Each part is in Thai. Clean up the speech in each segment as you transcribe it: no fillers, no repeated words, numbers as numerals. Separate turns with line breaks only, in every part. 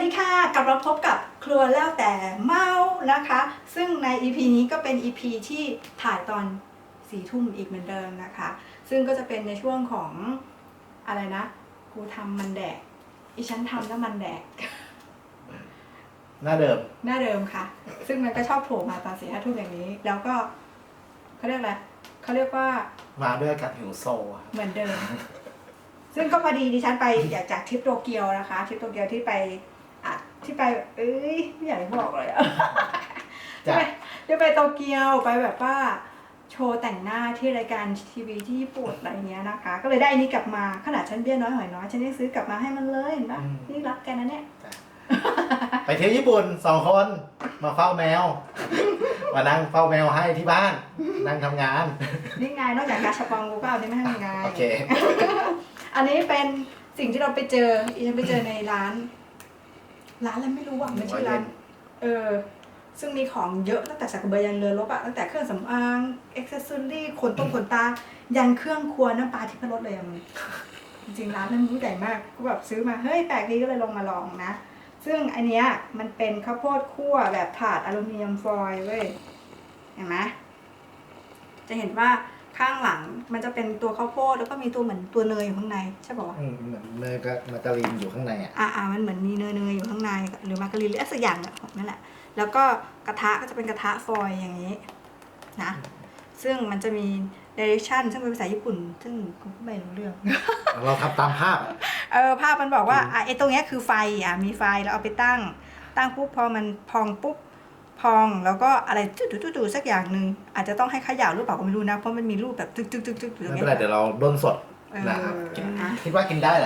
ดีค่ะกลับมาพบกับครัวแล้วแต่เมานะคะ ซึ่งใน EP นี้ก็เป็น EP ที่ถ่ายตอน4 ทุ่มอีกเหมือนเดิมนะคะ ซึ่งก็จะเป็นในช่วงของอะไรนะกูทำมันแดกอีฉันทำแล้วมันแดก
หน้าเดิม
หน้าเดิมค่ะ ซึ่งมันก็ชอบโผล่มาตอน4 5 ทุ่มอย่างนี้ แล้วก็เขาเรียกอะไรเขาเรียกว่า
มาด้วยอาการหิวโซครับ
เหมือนเดิม ซึ่งก็พอดีดิฉันไปจากทริปโตเกียวนะคะทริปโตเกียวที่ไปเอ้ยไม่อยากให้บอกเลยอะ ได้ไปโตเกียวไปแบบว่าโชว์แต่งหน้าที่รายการทีวีที่ญี่ปุ่นอะไรเงี้ยนะคะ ก็เลยได้อันนี้กลับมาขนาดฉันเบี้ยน้อยหอยน้อยฉันยังซื้อกลับมาให้มันเลยเห็นปะนี่รักกันนะเนี่ย
ไปเที่ยวญี่ปุ่น2 คนมาเฝ้าแมว มานั่งเฝ้าแมวให้ที่บ้าน นั่งทำงาน
นี่ไงนอกจากกาชาปองกูก็เอานี่ไม่ให้มึงไง
โอเค
อันนี้เป็นสิ่งที่เราไปเจอฉันไปเจอในร้านอะไรไม่รู้ว่ามันชื่อร้านซึ่งมีของเยอะตั้งแต่สักกระเบือยันเรือรบอะตั้งแต่เครื่องสำอางอ็อกเซสซอรี่ขนตายันเครื่องครัวน้ำปลาที่พรสเลยอะมึงจริงๆร้านนั้นรู้ใหญ่มากก็แบบซื้อมาเฮ้ยแปลกดีก็เลยลงมาลองนะซึ่งอันเนี้ยมันเป็นข้าวโพดคั่วแบบถาดอลูมิเนียมฟอยล์เว้ยเห็นไหมจะเห็นว่าข้างหลังมันจะเป็นตัวข้าวโพดแล้วก็มีตัวเหมือนตัวเนยอยู่ข้างในใช่ป่าววะ
เหมือนเนยกับมาการีนอยู่ข้างในอ่ะ
มันเหมือนมีเนยอยู่ข้างในหรือมาการีนหรืออะไรสักอย่างเนี่ยนั่นแหละแล้วก็กระทะก็จะเป็นกระทะฟอยล์อย่างนี้นะซึ่งมันจะมี direction ซึ่งเป็นภาษาญี่ปุ่นซึ่งกูก็ไม่รู้เรื่อง
เราทำตามภาพ
ภาพมันบอกว่าไอ้ตรงเนี้ยคือไฟมีไฟแล้วเอาไปตั้งปุ๊บพอมันพองปุ๊บพองแล้วก็อะไรจุดๆสักอย่างหนึ่งอาจจะต้องให้เขย่าหรือเปล่าก็ไม่รู้นะเพราะมันมีรูปแบบตึกอยู่
ไม่เป็นไรเดี๋ยวเราด้นสดนะครับคิดว่ากินได้แหละ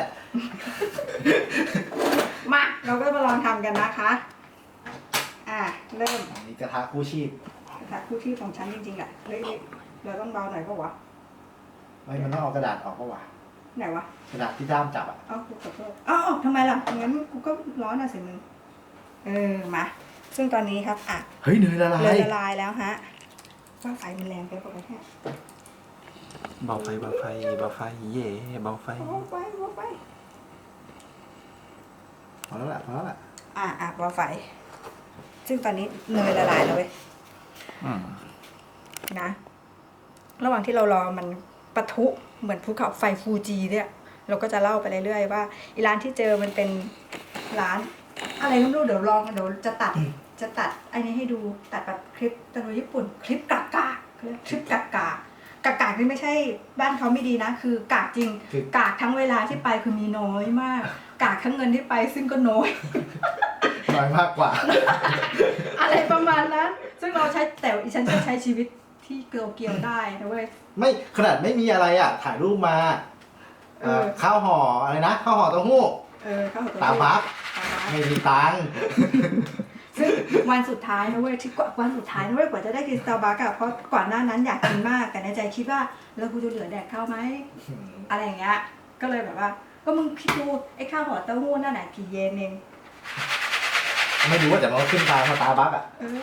มาเราก็มาลองทำกันนะคะเริ่ม
อันนี้กระทะคู่ชีพ
กระทะคู่ที่ของฉันจริงๆอ่ะเฮ้ยเราต้องเบาหน่อยก็วะ
ไม่มันต้องเอากระดาษออกก็วะ
ไหนวะ
กระดาษที่ด้ามจับอ่ะ
กูขอโทษทำไมล่ะงั้นกูก็ร้อนอ่ะสิมึงมาซึ่งตอนนี้ครับ
เฮ้ยเนยละลาย
เลยละลายแล้วฮะว่าไฟมันแรงไปปะเนี่ย
เบาไฟเย่เบาไฟ
เบาไฟ
พอแล้วแหละ
เบาไฟซึ่งตอนนี้เนยละลายแล้วเว้ยนะระหว่างที่เรารอมันปะทุเหมือนภูเขาไฟฟูจิเนี่ยเราก็จะเล่าไปเรื่อยๆว่าอีร้านที่เจอมันเป็นร้านอะไรไม่รู้เดี๋ยวจะตัดอันนี้ให้ดูตัดแบบคลิปตะลุยญี่ปุ่นคลิปกากคลิปกากนี่ไม่ใช่บ้านเขาไม่ดีนะคือกากจริงกากทั้งเวลาที่ไปคือมีน้อยมากกากทั้งเงินที่ไปซึ่งก็น้อย
น้อยมากกว่า
อะไรประมาณนั้นซึ่งเราใช้แต่อีฉันจะใช้ชีวิตที่เกี่ยวได้นะเว้ย
ไม่ขนาดไม่มีอะไรอ่ะถ่ายรูปมาข้าวห่ออะไรนะข้าวห่อเต้าหู้
ข้าวห่อเต้าหู้
ตาบักไม่มีตังค์
ซึ่งวันสุดท้ายนะเว้ยวันสุดท้ายนะเว้ยกว่าจะได้กินสตาร์บัคอะเพราะก่อนหน้านั้นอยากกินมากแต่ในใจคิดว่าแล้วกูจะเหลือแดกข้าวไหมอะไรอย่างเงี้ยก็เลยแบบว่าก็มึงคิดดูไอ้ข้าวห่อเต้าหู้นั่นแหละกี่เยนเอง
ไม่รู้ว่าแต่มันขึ้นตาสตาร์บัคอ่ะ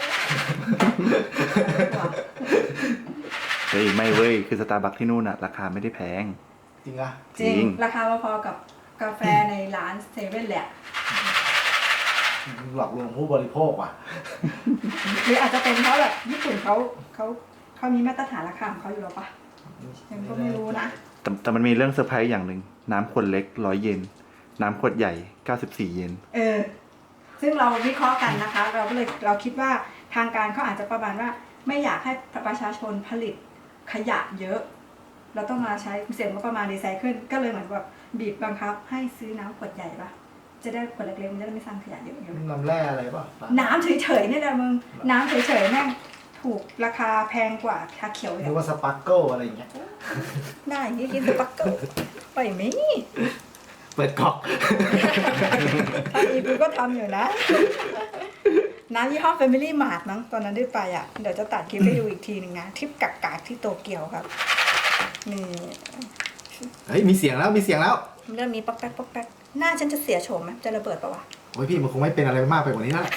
เฮ้ยไม่เว้ยคือสตาร์บัคที่นู่นอะราคาไม่ได้แพง
จริงอ่ะ
จริงราคาพอๆกับกาแฟในร้านเซเว่นแหละ
หลอกลวงผู้บริโภคว่ะ
หรืออาจจะเป็นเพราะแบบญี่ปุ่นเขามีมาตรฐานราคาของเขาอยู่แล้วปะยังก็ไม่รู้นะ
แต่มันมีเรื่องเซอร์ไพรส์อย่างหนึ่งน้ำขวดเล็ก100 เยนน้ำขวดใหญ่94 เยน
ซึ่งเราวิเคราะห์กันนะคะเราคิดว่าทางการเขาอาจจะประมาณว่าไม่อยากให้ประชาชนผลิตขยะเยอะเราต้องมาใช้เสียงว่าประมาณรีไซเคิลก็เลยเหมือนแบบบีบบังคับให้ซื้อน้ำขวดใหญ่ปะจะได้ขวดเล็กๆมันจะได้ไม่สร้างขยะเยอะๆ
น้ำแร่อะไรป่ะ
น้ำเฉยๆนี่แหละมึงน้ำเฉยๆแม่งถูกราคาแพงกว่าชาเขียวเลย
หรือว่าสปาร์เกิลอะไรอย่างเงี้ย
ได้นี่กินสปาร์เกิลไปไหม
เปิดก๊อก
ตอนนี้กูก็ทำอยู่นะน้ำยี่ห้อ Family Mart มั้งตอนนั้นได้ไปเดี๋ยวจะตัดคลิปให้ดูอีกทีหนึ่งนะทริปกากๆที่โตเกียวครับนี่
เฮ้ยมีเสียงแล้ว
เริ่มมีป๊อกแป๊กหน้าฉันจะเสียโฉมไหมจะระเบิดปะวะ
โอ้ยพี่มันคงไม่เป็นอะไรมากไปกว่านี้แล้ว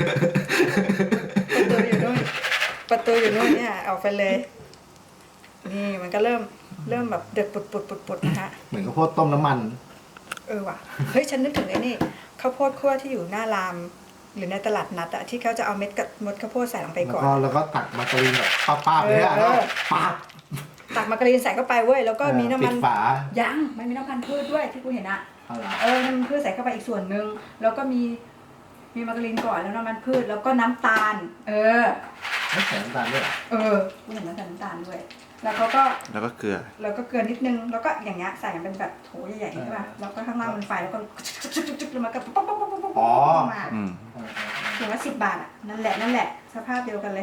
ประตูอยู่นู่นเนี่ยเอาไปเลยนี่มันก็เริ่มแบบเดือดปุดๆนะฮะ
เหมือนข้าวโพดต้มน้ำมัน
ว่ะเฮ้ยฉันนึกถึงไอ้นี่ข้าวาวโพดคั่วที่อยู่หน้าราม หรือในตลาดนัดอะที่เขาจะเอาเม็ดกับมดข้าวโพดใส่ลงไปก่อน
แล้วก็ตักมาการีนแบบป้าบๆเลยอะ
เออ
แล้วป้าบ
ตักมาการีนใส่เข้าไปเว้ยแล้วก็มีน้ำมัน
ปิดฝา
ยังไม่มีน้ำมันพืชด้วยที่กูเห็นอะ
เอาล่ะ
น้ำมันพืชใส่เข้าไปอีกส่วนหนึ่งแล้วก็มีมาการีนก่อนแล้วน้ำมันพืชแล้วก็น้ำตาล
ไม่ใส่น้ำตาลด้วยเหรอ
กูเห็นน้ำตาลด้วย แล้วเขาก็
แล้วก็เกลือ
แล้วก็เกลือนิดนึงแล้วก็อย่างเงี้ยใส่เป็นแบบโถใหญ่ๆใช่ป่ะแล้วก็ข้างล่างมันไฟแล้วก็จุ๊บๆๆแล้วมันก็ป๊อกๆๆๆๆมา
อืม
ถึงว่า10 บาทอ่ะนั่นแหละสภาพเดียวกันเลย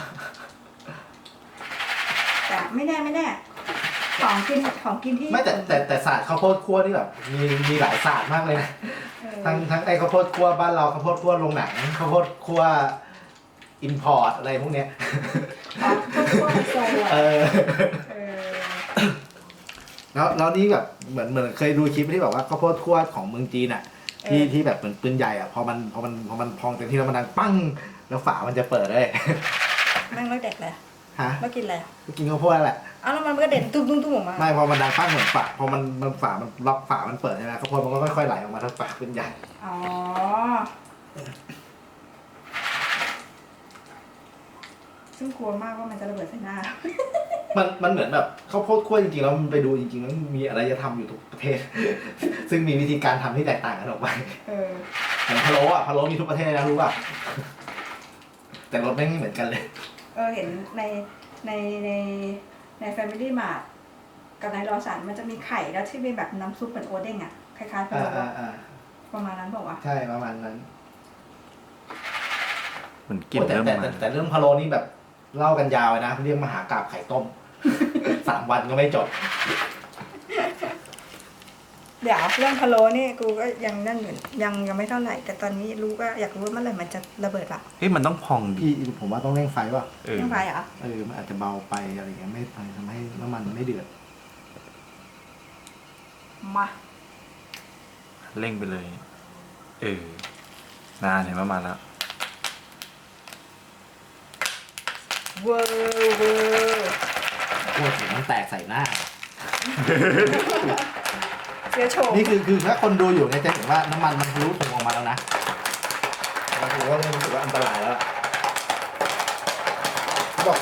แต่ไม่แน่ของกินที่
ไม่แต่ศาสตร์ข้าวโพดคั่วนี่แบบมีหลายศาสตร์มากเลยนะ
เออ
ทั้งไอ้ข้าวโพดคั่วบ้านเราข้าวโพดคั่วโรงหนังข้าวโพดคั่วอินพอร์ตอะไรพวกเนี้ย
พวกไฮโซอ่ะ
เออ
เออ
แล้วนี่แบบเหมือนเคยดูคลิปที่แบบว่าข้าวโพดคั่วของเมืองจีนอ่ะที่แบบเหมือนปืนใหญ่อ่ะพอมันพองเต็มที่แล้วมันดังปั้งแล้วฝามันจะเปิดได้
แม่งเลิกเด็กเลย
ฮะ
มากินอะไร
ก็กินข้าวโพดแหละ
อ้าวแล้วมันก็เด่นตุ้มออกมา
ไม่พอมันดังปั้งเหมือนฝาพอมันฝามันล็อกฝามันเปิดใช่ไหมข้าวโพดมันก็ค่อยๆไหลออกมาทั้งฝาปืนใหญ่
อ๋อซึ่งกลัวมากว่ามันจะระเบิดใส่หน้า
มันเหมือนแบบข้าวโพดคั่วจริงๆแล้วมันไปดูจริงๆแล้วมันมีอารยธรรมอยู่ทุกประเทศ ซึ่งมีวิธีการทำที่แตกต่างกันออกไป
เออ
อย่างพะโล้อะพะโล้มีทุกประเทศเลยนะรู้ป่ะ แต่รสไม่เหมือนกันเลย
เห็นใน Family Mart กับในรอสันมันจะมีไข่แล้วที่เป็นแบบน้ำซุปเหมือนโอเด้งอ่ะคล้ายๆพะโล้อะประมาณนั้นบอกว่าวะ
ใช่ประมาณนั้น
เหมือนกลิ่น
โอ้แต่
เริ่ม
แต่
มา
แต่เรื่องพะโล้นี่แบบเล่ากันยาวเลยนะเรียกมหากาพย์ไข่ต้ม 3 วันก็ไม่จบ
เดี๋ยวเรื่องพะโล้นี่กูก็ยังนั่นอยู่ยังไม่เท่าไหร่ แต่ตอนนี้รู้ว่าอยากรู้ว่าเมื่อไหร่มันจะระเบิดปะ
เฮ้ยมันต้องพองดิ
พี่ผมว่าต้องเร่งไฟว่ะ
เออ
เรื่องไฟเหรอ
มันอาจจะเบาไปอะไรอย่างเงี้ยไม่ทำให้น้ำมันไม่เดือด
มา
เร่งไปเลย เออ นานเห็นว่ามาแล้ว
เวอร์
พวกสีมันแตกใส่หน้า
เชื้อโชว์
นี่คือถ้าคนดูอยู่เนี่ยจะเห็นว่าน้ำมันมันทะลุถุงออกมาแล้วนะเราถือว่าเริ่มรู้สึกว่าอันตรายแล้วบอก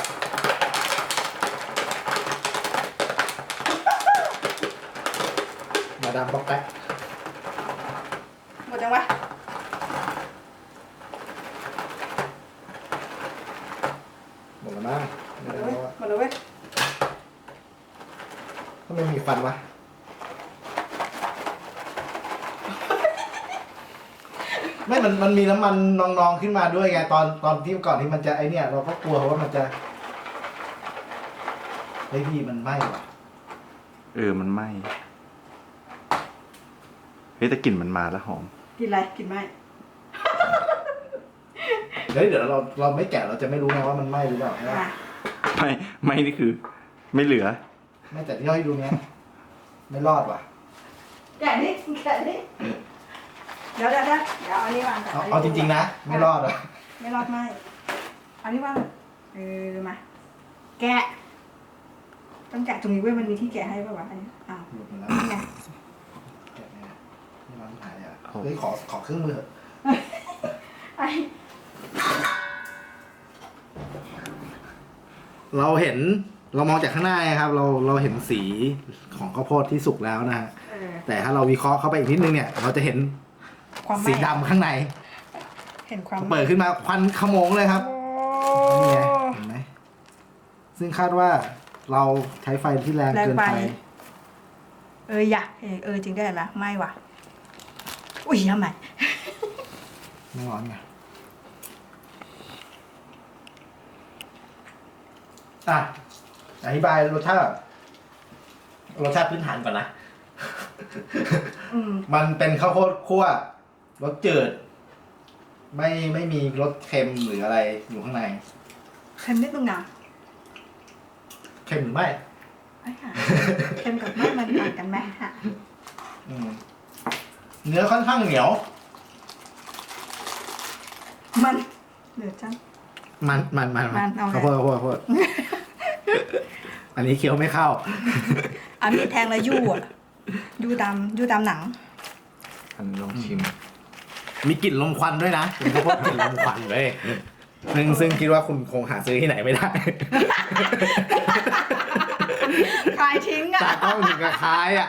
มาดามบอกแป๊ก
หมดจังวะ
หมดแล้วมั้ง
หมดแล้วเว้ยหมดแล้วเว้ย
ถ้าไม่มีฟันวะไม่มันมีน้ำมันนองๆขึ้นมาด้วยไงตอนที่ก่อนที่มันจะไอเนี่ยเราก็กลัวว่ามันจะเฮ้ยพี่มันไหม้ว่ะ
เออมันไหม้เฮ้ยแต่กลิ่นมันมาแล้วหอม
กินอะไรกินไหม
เดี๋ยวเราไม่แกะเราจะไม่รู้ไงว่ามันไหม้หรือเปล่าใช่ปะ
อ่ะ
ไม่นี่คือ ไม่เหลือ
ไม่แต่ที่เราให้ดูเนี้ยไม่รอดว่ะ
แกะนี่เดี๋ยวเอาอันนี้วางก่อน
เอาจริงๆนะไม่รอดว่ะ
ไม่รอดไหมเอาอันนี้วางมาแกะต้องแกะตรงนี้เว้ยมันมีที่แกะให้ป่าววะอันนี้อ้าว
หลุดมาแล้ว
นี่ไง
แกะเนี่ยไม่ร้อนหายอ่ะ
โอ้
เฮ้ยขอเครื่องมือเถอะ
ไอ้
เรามองจากข้างหน้าไงครับ เราเห็นสีของข้าวโพดที่สุกแล้วนะฮะ แต่ถ้าเราวิเคราะห์เข้าไปอีกนิดนึงเนี่ย เราจะเห็น
ความไหม้
สีดำข้างใน
เห็นความ
เปิดขึ้นมาควันขโมงเลยครับ นี่ไงเห็นไหมซึ่งคาดว่าเราใช้ไฟที่แรงเกินไป
อย่าจริงได้ไหมไม่ว่ะอุ้ยทำไม
ไม่ร้อนไงอ่ะอธิบายรสชาติพื้นฐานก่อนนะ มันเป็นข้าวโพดคั่วรสจืด ไม่มีรสเค็มหรืออะไรอยู่ข้างใน
เค็มนิดนึงนะ
เค็มหรือไม่
ไอ้ค่ะเค็มกับไม่มันต่างกันไหมฮะ
อืมเนื้อค่อนข้างเหนียว
มันเหลือจัง
มัน
เอาไง
ข้าวโพด อันนี้เคี้ยวไม่เข้า
อันนี้แทงแล้วยู่อ่ะยู่ตามหนัง
อันลองชิม
มีกลิ่นลมควันด้วยนะเป็นข้าวโพดกลิ่นลมควันเลยซึ่งคิดว่าคุณคงหาซื้อที่ไหนไม่ได้
ขายทิ้งอ่ะ
ตากล้องถึงกับคายอ่ะ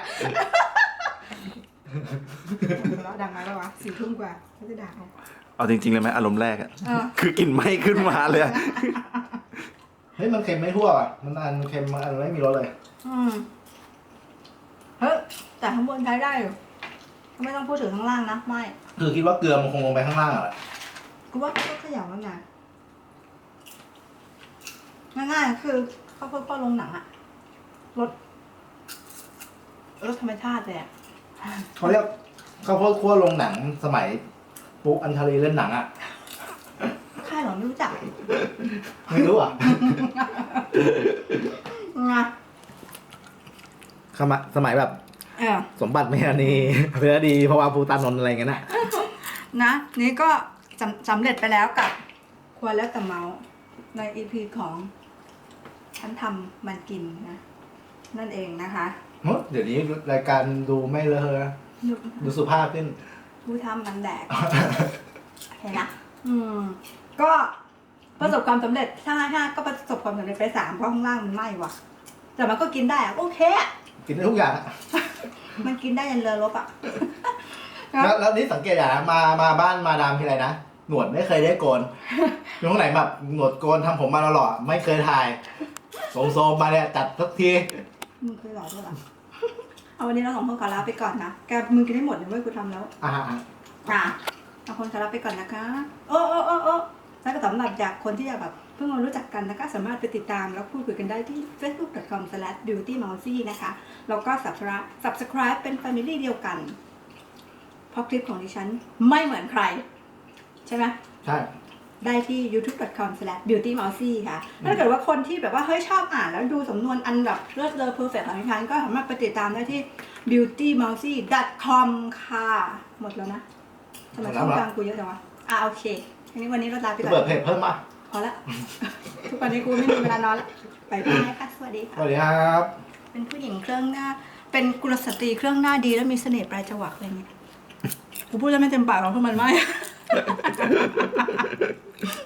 แล้วดังไหมแล้ววะ4 ทุ่มกว่าเขาจะด่าเอา
เอาจริงๆเลยไหมอารมณ์แรกอะ
เออ
คือกลิ่นไหม้ขึ้นมาเลยอะ
เฮ้ยมันเค็มไม่ทั่วอ่ะมันอันเค็มมันอันไม่มีรสเลย
เฮ้ยแต่ข้างบนใช้ได้อยู่ไม่ต้องพูดถึงข้างล่างนะไม่
คือคิดว่าเกลือมันคงลงไปข้างล่างอ่ะ
กูว่าก็ขยับแล้วไงง่ายๆคือข้าวโพดป้อนลงหนังอะรสธรรมชาติเลยอะ
เขาเรียกข้าวโพดคั่วลงหนังสมัยปุ๊กอัญชลีเล่นหนังอ่ะ
ค่ายหรอไม่รู้จัก
ไม่รู้อ่ะ
ไง
สมัยแบบ
เออ
สมบัติเมธานีเพื่อดีเพราะว่าภูตานนท์อะไรเงี้ยนะ
นะนี่ก็สำเร็จไปแล้วกับควรแล้วแต่เมาส์ใน EP ของฉันทำมันกินนะ นั่นเองนะคะ
เดี๋ยวนี้รายการดูไม่เลอะนะดูสุภาพขึ้น
ผู้ทำมันแดก เห็นนะก็ประสบความสำเร็จถ้าก็ประสบความสำเร็จไป3เพราะข้างล่างมันไหม้ว่ะ แต่มันก็กินได้อะโอเคอะ
กินได้ทุกอย่างอะ
มันกินได้ยันเรือรบอะ
แล้วนี่สังเกตอย่างนะมาบ้านมาดามทีไรนะหนวดไม่เคยได้โกนอยู่ตรงไหนแบบหนวดโกนทำผมมาตลอดไม่เคยถ่ายโซมมาเนี่ยจัดทุกที
มึงเคยหลอกด้วยเหรอ เอาวันนี้เราสองคนขอลาไปก่อนนะ แกมึงกินได้หมดเลยเว้ยกูทำแล้ว
อ่า
เอาคนขอลาไปก่อนนะคะ โอ้แล้วก็สำหรับจากคนที่อยากแบบเพิ่งมารู้จักกันนะคะสามารถไปติดตามแล้วพูดคุยกันได้ที่ facebook.com/beautymousy นะคะ แล้วก็ subscribe เป็น family เดียวกัน เพราะคลิปของดิฉันไม่เหมือนใคร ใช่ไหม
ใช่
ได้ที่ youtube.com/beautymousy ค่ะ ถ้าเกิดว่าคนที่แบบว่าเฮ้ยชอบอ่านแล้วดูสำนวนอันแบบเลิศเลอ perfect ของดิฉันก็สามารถไปติดตามได้ที่ beautymousy.com ค่ะ หมดแล้วนะทำไมช่องกลางกูเยอะจังวะโอเควันนี้เราลาไปก่อน
เปิดเพจเพิ่มมา
พอละ ทุกวันนี้กูไม่มีเวลานอนละไปบายค่ะ สวัสดี
ส
ค่ะ
วัสดีครับ
เป็นผู้หญิงเครื่องหน้า เป็นกุลสตรีเครื่องหน้าดีแล้วมีเสน่ห์ปลายจวักอะไรเงี้ย กูพูดแล้วไม่เต็มปากหรอกเพราะมันไม่